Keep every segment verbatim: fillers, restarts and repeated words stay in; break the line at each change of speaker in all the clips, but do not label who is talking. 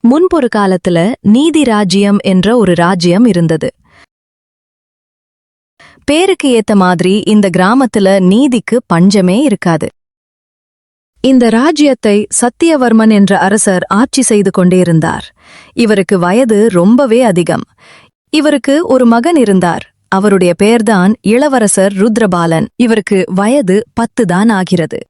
முன்பொரு காலத்துல நீதி ராஜ்யம் என்ற ஒரு ராஜ்யம் இருந்தது. பேருக்கு ஏத்த மாதிரி இந்த கிராமத்துல நீதிக்கு பஞ்சமே இருக்காது. இந்த ராஜ்யத்தை சத்தியவர்மன் என்ற அரசர் ஆட்சி செய்து கொண்டிருந்தார். இவருக்கு வயது ரொம்பவே அதிகம். இவருக்கு ஒரு மகன் இருந்தார். அவருடைய பெயர்தான் இளவரசர் ருத்ரபாலன். இவருக்கு வயது பத்து தான் ஆகிறது.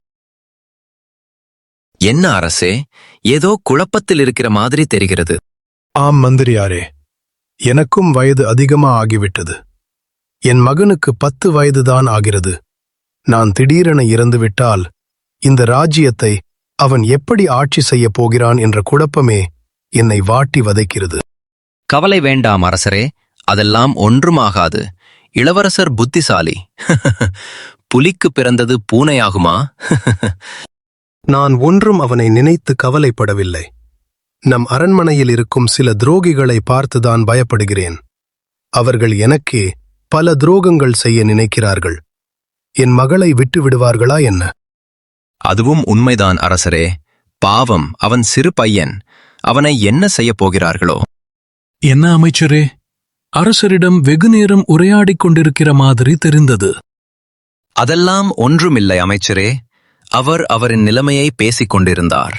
என்ன அரசே, ஏதோ குழப்பத்தில் இருக்கிற மாதிரி தெரிகிறது.
ஆம் மந்திரியாரே, எனக்கும் வயது அதிகமா ஆகிவிட்டது. என் மகனுக்கு பத்து வயதுதான் ஆகிறது. நான் திடீரென இறந்துவிட்டால் இந்த ராஜ்யத்தை அவன் எப்படி ஆட்சி செய்யப் போகிறான் என்ற குழப்பமே என்னை வாட்டி வதைக்கிறது.
கவலை வேண்டாம் அரசரே, அதெல்லாம் ஒன்றுமாகாது. இளவரசர் புத்திசாலி. புலிக்கு பிறந்தது பூனையாகுமா?
நான் ஒன்றும் அவனை நினைத்து கவலைப்படவில்லை. நம் அரண்மனையில் இருக்கும் சில துரோகிகளை பார்த்துதான் பயப்படுகிறேன். அவர்கள் எனக்கே பல துரோகங்கள் செய்ய நினைக்கிறார்கள். என் மகளை விட்டு விடுவார்களா என்ன?
அதுவும் உண்மைதான் அரசரே. பாவம், அவன் சிறு பையன். அவனை என்ன செய்யப் போகிறார்களோ?
என்ன அமைச்சரே, அரசரிடம் வெகுநேரம் உரையாடிக் கொண்டிருக்கிற மாதிரி தெரிந்தது.
அதெல்லாம் ஒன்றுமில்லை அமைச்சரே. அவர் அவரின் நிலைமையை பேசிக் கொண்டிருந்தார்.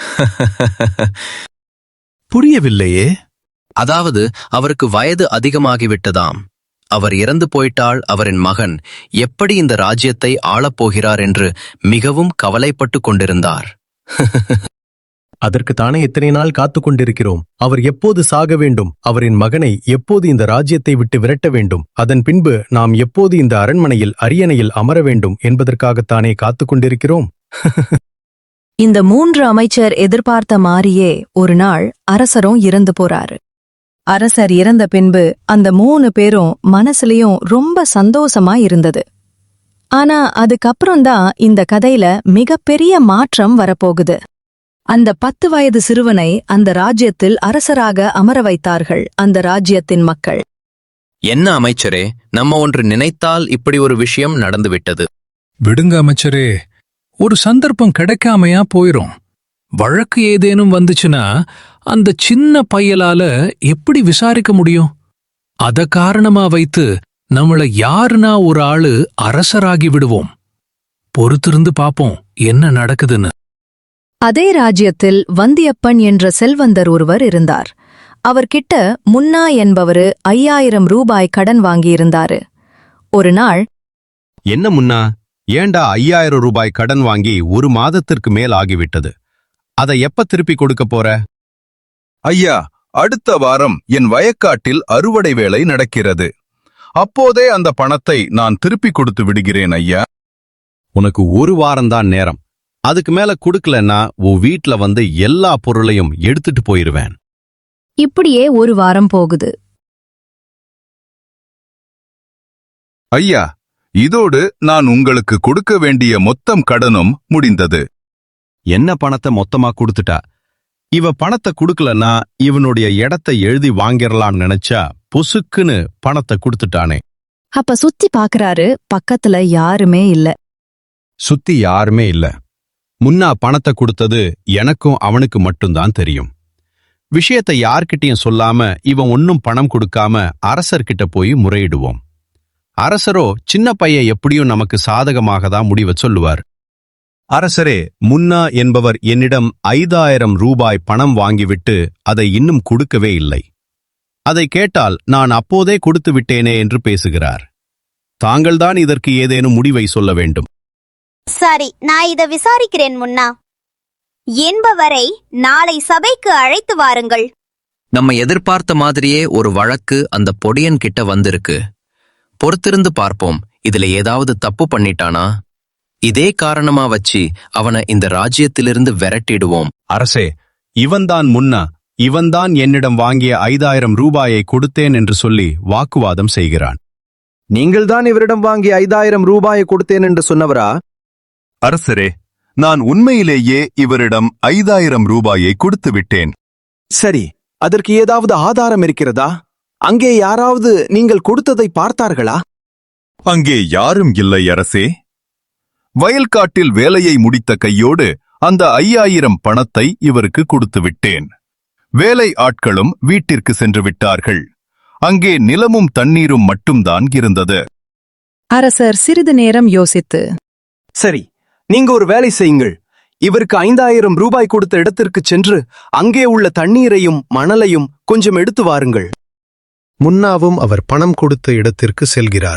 புரியவில்லையே.
அதாவது அவருக்கு வயது அதிகமாகிவிட்டதாம். அவர் இறந்து போயிட்டால் அவரின் மகன் எப்படி இந்த ராஜ்யத்தை ஆளப்போகிறார் என்று மிகவும் கவலைப்பட்டு கொண்டிருந்தார்.
அதற்கு தானே எத்தனை நாள் காத்து கொண்டிருக்கிறோம். அவர் எப்போது சாக வேண்டும், அவரின் மகனை எப்போது இந்த ராஜ்யத்தை விட்டு விரட்ட வேண்டும், அதன் பின்பு நாம் எப்போது இந்த அரண்மனையில் அரியணையில் அமர வேண்டும் என்பதற்காகத்தானே காத்து கொண்டிருக்கிறோம்.
இந்த மூன்று அமைச்சர் எதிர்பார்த்த மாதிரியே ஒரு நாள் அரசரும் இறந்து போறாரு. அரசர் இறந்த பின்பு அந்த மூணு பேரும் மனசுலயும் ரொம்ப சந்தோஷமா இருந்தது. ஆனா அதுக்கப்புறம்தான் இந்த கதையில மிகப்பெரிய மாற்றம் வரப்போகுது. அந்த பத்து வயது சிறுவனை அந்த ராஜ்யத்தில் அரசராக அமர வைத்தார்கள் அந்த ராஜ்யத்தின் மக்கள்.
என்ன அமைச்சரே, நம்ம ஒன்று நினைத்தால் இப்படி ஒரு விஷயம் நடந்துவிட்டது.
விடுங்க அமைச்சரே, ஒரு சந்தர்ப்பம் கிடைக்காமையா போயிரும். வழக்கு ஏதேனும் வந்துச்சுன்னா அந்த சின்ன பையலால எப்படி விசாரிக்க முடியும்? அத காரணமா வைத்து நம்மள யாருனா ஒரு ஆளு அரசராகி விடுவோம். பொறுத்திருந்து பாப்போம் என்ன நடக்குதுன்னு.
அதே ராஜ்யத்தில் வந்தியப்பன் என்ற செல்வந்தர் ஒருவர் இருந்தார். அவர்கிட்ட முன்னா என்பவரு ஐயாயிரம் ரூபாய் கடன் வாங்கியிருந்தாரு. ஒரு நாள்,
என்ன முன்னா, ஏண்டா ஐயாயிரம் ரூபாய் கடன் வாங்கி ஒரு மாதத்திற்கு மேல் ஆகிவிட்டது. அதை எப்ப திருப்பி கொடுக்க போற?
ஐயா, அடுத்த வாரம் என் வயக்காட்டில் அறுவடை வேலை நடக்கிறது. அப்போதே அந்த பணத்தை நான் திருப்பி கொடுத்து விடுகிறேன் ஐயா.
உனக்கு ஒரு வாரம்தான் நேரம். அதுக்கு மேல குடுக்கலன்னா உன் வீட்ல வந்து எல்லா பொருளையும் எடுத்துட்டு போயிருவேன்.
இப்படியே ஒரு வாரம் போகுது.
ஐயா, இதோடு நான் உங்களுக்கு கொடுக்க வேண்டிய மொத்தம் கடனும் முடிந்தது.
என்ன பணத்தை மொத்தமா கொடுத்துட்டா? இவ பணத்தை குடுக்கலன்னா இவனுடைய இடத்தை எழுதி வாங்கிரலாம் நினைச்சா பொசுக்குன்னு பணத்தை கொடுத்துட்டானே.
அப்ப சுத்தி பாக்குறாரு. பக்கத்துல யாருமே இல்ல.
சுத்தி யாருமே இல்ல. முன்னா பணத்தை கொடுத்தது எனக்கும் அவனுக்கு மட்டும்தான் தெரியும். விஷயத்தை யார்கிட்டயும் சொல்லாம இவன் ஒன்னும் பணம் கொடுக்காம அரசர்கிட்ட போய் முறையிடுவோம். அரசரோ சின்ன பையன் எப்படியும் நமக்கு சாதகமாக தான் முடிவை சொல்லுவார். அரசரே, முன்னா என்பவர் என்னிடம் ஐந்தாயிரம் ரூபாய் பணம் வாங்கிவிட்டு அதை இன்னும் கொடுக்கவே இல்லை. அதை கேட்டால் நான் அப்போதே கொடுத்து விட்டேனே என்று பேசுகிறார். தாங்கள்தான் இதற்கு ஏதேனும் முடிவை சொல்ல வேண்டும்.
சரி, நான் இதை விசாரிக்கிறேன் முன்னா என்பவரை நாளை சபைக்கு அழைத்து வாருங்கள்.
நம்ம எதிர்பார்த்த மாதிரியே ஒரு வழக்கு அந்த பொடியன் கிட்ட வந்திருக்கு. பொறுத்திருந்து பார்ப்போம், இதுல ஏதாவது தப்பு பண்ணிட்டானா? இதே காரணமா வச்சு அவனை இந்த ராஜ்யத்திலிருந்து விரட்டிடுவோம்.
அரசே, இவன்தான் முன்னா, இவன்தான் என்னிடம் வாங்கிய ஐந்தாயிரம் ரூபாயை கொடுத்தேன் என்று சொல்லி வாக்குவாதம் செய்கிறான்.
நீங்கள்தான் இவரிடம் வாங்கிய ஐந்தாயிரம் ரூபாயை கொடுத்தேன் என்று சொன்னவரா?
அரசரே, நான் உண்மையிலேயே இவரிடம் ஐந்தாயிரம் ரூபாயை கொடுத்து விட்டேன்.
சரி, அதற்கு ஏதாவது ஆதாரம் இருக்கிறதா? அங்கே யாராவது நீங்கள் கொடுத்ததை பார்த்தார்களா?
அங்கே யாரும் இல்லை அரசே. வயல்காட்டில் வேலையை முடித்த கையோடு அந்த ஐயாயிரம் பணத்தை இவருக்கு கொடுத்து விட்டேன். வேலை ஆட்களும் வீட்டிற்கு சென்று விட்டார்கள். அங்கே நிலமும் தண்ணீரும் மட்டும்தான் இருந்தது.
அரசர் சிறிது நேரம் யோசித்து,
சரி, நீங்க ஒரு வேலை செய்யுங்கள். இவருக்கு ஐந்தாயிரம் ரூபாய் கொடுத்த இடத்திற்கு சென்று அங்கே உள்ள தண்ணீரையும் மணலையும் கொஞ்சம் எடுத்து வாருங்கள்.
முன்னாவும் அவர் பணம் கொடுத்த இடத்திற்கு செல்கிறார்.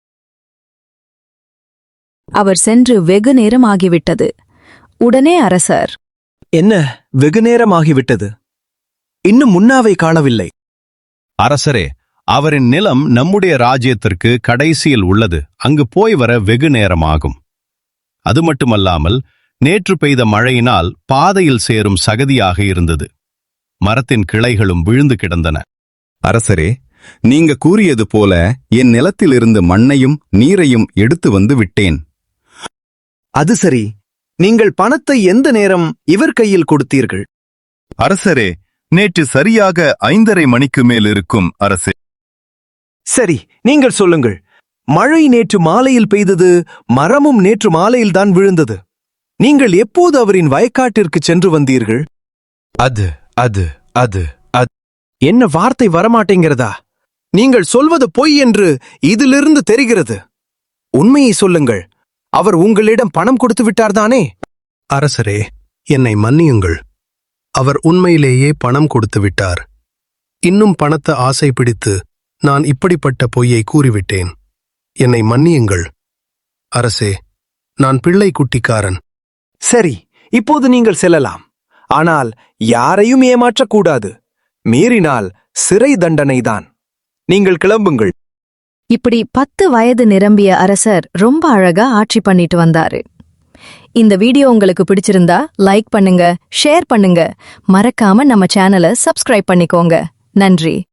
அவர் சென்று வெகு நேரம் ஆகிவிட்டது. உடனே அரசர்,
என்ன, வெகு நேரமாகிவிட்டது, இன்னும் முன்னாவை காணவில்லை.
அரசரே, அவரின் நிலம் நம்முடைய ராஜ்யத்திற்கு கடைசியில் உள்ளது. அங்கு போய் வர வெகு நேரமாகும். அது மட்டுமல்லாமல் நேற்று பெய்த மழையினால் பாதையில் சேரும் சகதியாக இருந்தது. மரத்தின் கிளைகளும் விழுந்து கிடந்தன.
அரசரே, நீங்க கூறியது போல என் நிலத்திலிருந்து மண்ணையும் நீரையும் எடுத்து வந்து விட்டேன்.
அது சரி, நீங்கள் பணத்தை எந்த நேரம் இவர் கையில் கொடுத்தீர்கள்?
அரசரே, நேற்று சரியாக ஐந்தரை மணிக்கு மேல் இருக்கும் அரசே.
சரி, நீங்கள் சொல்லுங்கள். மழை நேற்று மாலையில் பெய்தது, மரமும் நேற்று மாலையில்தான் விழுந்தது. நீங்கள் எப்போது அவரின் வயக்காட்டிற்கு சென்று வந்தீர்கள்?
அது அது அது அது
என்ன வார்த்தை வரமாட்டேங்கிறதா? நீங்கள் சொல்வது பொய் என்று இதிலிருந்து தெரிகிறது. உண்மையை சொல்லுங்கள். அவர் உங்களிடம் பணம் கொடுத்து விட்டார்தானே?
அரசரே, என்னை மன்னியுங்கள். அவர் உண்மையிலேயே பணம் கொடுத்து விட்டார். இன்னும் பணத்தை ஆசை பிடித்து நான் இப்படிப்பட்ட பொய்யை கூறிவிட்டேன். என்னை மன்னியுங்கள் அரசே. நான் பிள்ளை குட்டிக்காரன்.
சரி, இப்போது நீங்கள் செல்லலாம். ஆனால் யாரையும் ஏமாற்றக்கூடாது. மீறினால் சிறை தண்டனைதான். நீங்கள் கிளம்புங்கள்.
இப்படி பத்து வயது நிரம்பிய அரசர் ரொம்ப அழகா ஆட்சி பண்ணிட்டு வந்தாரு. இந்த வீடியோ உங்களுக்கு பிடிச்சிருந்தா லைக் பண்ணுங்க, ஷேர் பண்ணுங்க, மறக்காம நம்ம சேனலை சப்ஸ்கிரைப் பண்ணிக்கோங்க. நன்றி.